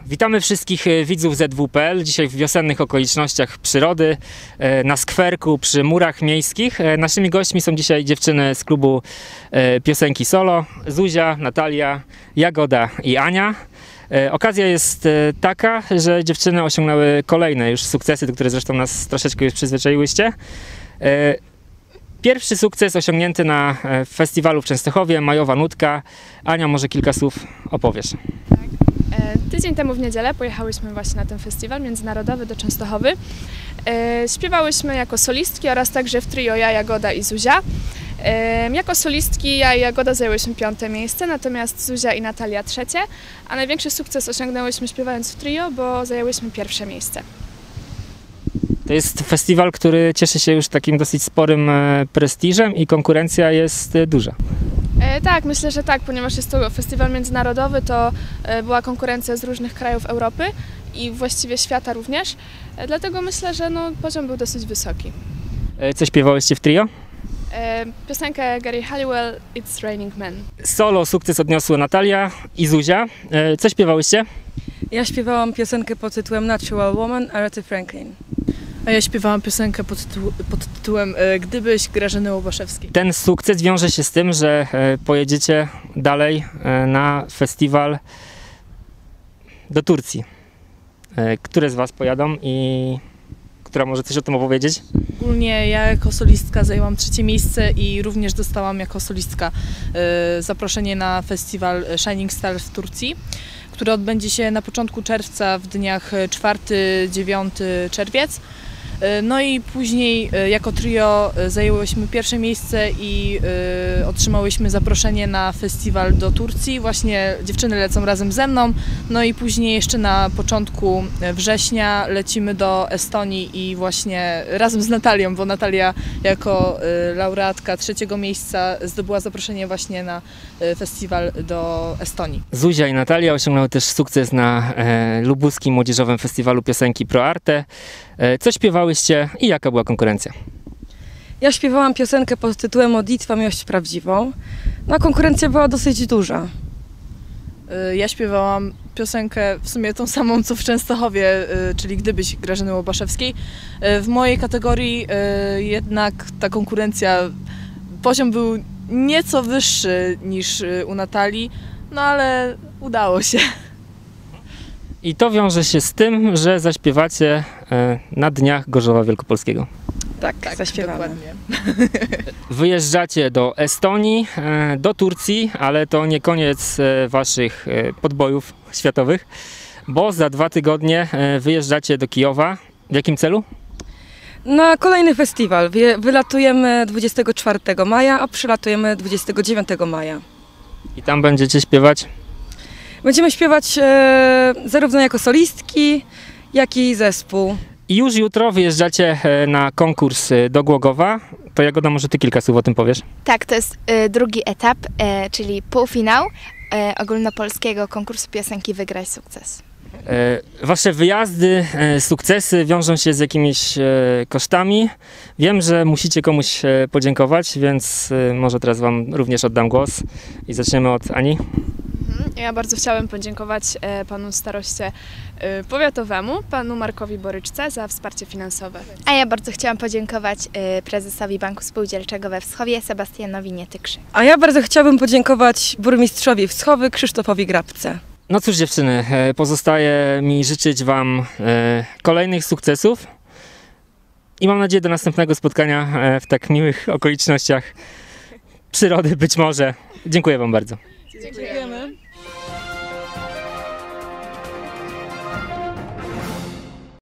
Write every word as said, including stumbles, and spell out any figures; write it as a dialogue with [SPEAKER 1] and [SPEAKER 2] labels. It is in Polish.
[SPEAKER 1] Witamy wszystkich widzów Z W P L. Dzisiaj w wiosennych okolicznościach przyrody, na skwerku przy murach miejskich. Naszymi gośćmi są dzisiaj dziewczyny z klubu piosenki solo. Zuzia, Natalia, Jagoda i Ania. Okazja jest taka, że dziewczyny osiągnęły kolejne już sukcesy, do których zresztą nas troszeczkę już przyzwyczaiłyście. Pierwszy sukces osiągnięty na festiwalu w Częstochowie, Majowa Nutka. Ania, może kilka słów opowiesz.
[SPEAKER 2] Tak. E, tydzień temu w niedzielę pojechałyśmy właśnie na ten festiwal międzynarodowy do Częstochowy. E, śpiewałyśmy jako solistki oraz także w trio ja, Jagoda i Zuzia. E, jako solistki ja i Jagoda zajęłyśmy piąte miejsce, natomiast Zuzia i Natalia trzecie, a największy sukces osiągnęłyśmy śpiewając w trio, bo zajęłyśmy pierwsze miejsce.
[SPEAKER 1] To jest festiwal, który cieszy się już takim dosyć sporym prestiżem i konkurencja jest duża.
[SPEAKER 2] E, tak, myślę, że tak, ponieważ jest to festiwal międzynarodowy, to e, była konkurencja z różnych krajów Europy i właściwie świata również, e, dlatego myślę, że no, poziom był dosyć wysoki.
[SPEAKER 1] E, co śpiewałyście w trio?
[SPEAKER 2] E, piosenkę Gary Halliwell, It's Raining Men.
[SPEAKER 1] Solo sukces odniosły Natalia i Zuzia. E, co śpiewałyście?
[SPEAKER 3] Ja śpiewałam piosenkę pod tytułem Natural Woman, Arethy Franklin.
[SPEAKER 4] A ja śpiewałam piosenkę pod, tytuł, pod tytułem e, Gdybyś Grażyny Łobaszewskiej.
[SPEAKER 1] Ten sukces wiąże się z tym, że e, pojedziecie dalej e, na festiwal do Turcji. E, które z was pojadą i która może coś o tym opowiedzieć?
[SPEAKER 4] Ogólnie ja jako solistka zajęłam trzecie miejsce i również dostałam jako solistka e, zaproszenie na festiwal Shining Stars w Turcji, który odbędzie się na początku czerwca w dniach czwarty do dziewiątego czerwiec. No i później jako trio zajęłyśmy pierwsze miejsce i y, otrzymałyśmy zaproszenie na festiwal do Turcji. Właśnie dziewczyny lecą razem ze mną. No i później jeszcze na początku września lecimy do Estonii i właśnie razem z Natalią, bo Natalia jako y, laureatka trzeciego miejsca zdobyła zaproszenie właśnie na y, festiwal do Estonii.
[SPEAKER 1] Zuzia i Natalia osiągnęły też sukces na e, lubuskim młodzieżowym festiwalu piosenki Pro Arte. E, co śpiewały i jaka była konkurencja?
[SPEAKER 3] Ja śpiewałam piosenkę pod tytułem Modlitwa Miłość Prawdziwą. No, konkurencja była dosyć duża.
[SPEAKER 4] Ja śpiewałam piosenkę w sumie tą samą co w Częstochowie, czyli Gdybyś Grażyny Łobaszewskiej. W mojej kategorii jednak ta konkurencja, poziom był nieco wyższy niż u Natalii, no ale udało się.
[SPEAKER 1] I to wiąże się z tym, że zaśpiewacie na dniach Gorzowa Wielkopolskiego.
[SPEAKER 3] Tak, tak, zaśpiewamy.
[SPEAKER 4] Dokładnie.
[SPEAKER 1] Wyjeżdżacie do Estonii, do Turcji, ale to nie koniec waszych podbojów światowych, bo za dwa tygodnie wyjeżdżacie do Kijowa. W jakim celu?
[SPEAKER 3] Na kolejny festiwal. Wylatujemy dwudziestego czwartego maja, a przylatujemy dwudziestego dziewiątego maja.
[SPEAKER 1] I tam będziecie śpiewać?
[SPEAKER 3] Będziemy śpiewać e, zarówno jako solistki, jak i zespół.
[SPEAKER 1] I już jutro wyjeżdżacie na konkurs do Głogowa. To Jagoda, może ty kilka słów o tym powiesz?
[SPEAKER 5] Tak, to jest y, drugi etap, y, czyli półfinał y, ogólnopolskiego konkursu piosenki Wygraj Sukces.
[SPEAKER 1] E, wasze wyjazdy, e, sukcesy wiążą się z jakimiś e, kosztami. Wiem, że musicie komuś e, podziękować, więc e, może teraz wam również oddam głos i zaczniemy od Ani.
[SPEAKER 2] Ja bardzo chciałem podziękować e, panu staroście e, powiatowemu, panu Markowi Boryczce za wsparcie finansowe.
[SPEAKER 5] A ja bardzo chciałam podziękować y, prezesowi Banku Spółdzielczego we Wschowie, Sebastianowi Nietykrzy.
[SPEAKER 3] A ja bardzo chciałabym podziękować burmistrzowi Wschowy, Krzysztofowi Grabce.
[SPEAKER 1] No cóż dziewczyny, e, pozostaje mi życzyć wam e, kolejnych sukcesów i mam nadzieję do następnego spotkania e, w tak miłych okolicznościach przyrody być może. Dziękuję wam bardzo.
[SPEAKER 4] Dziękujemy.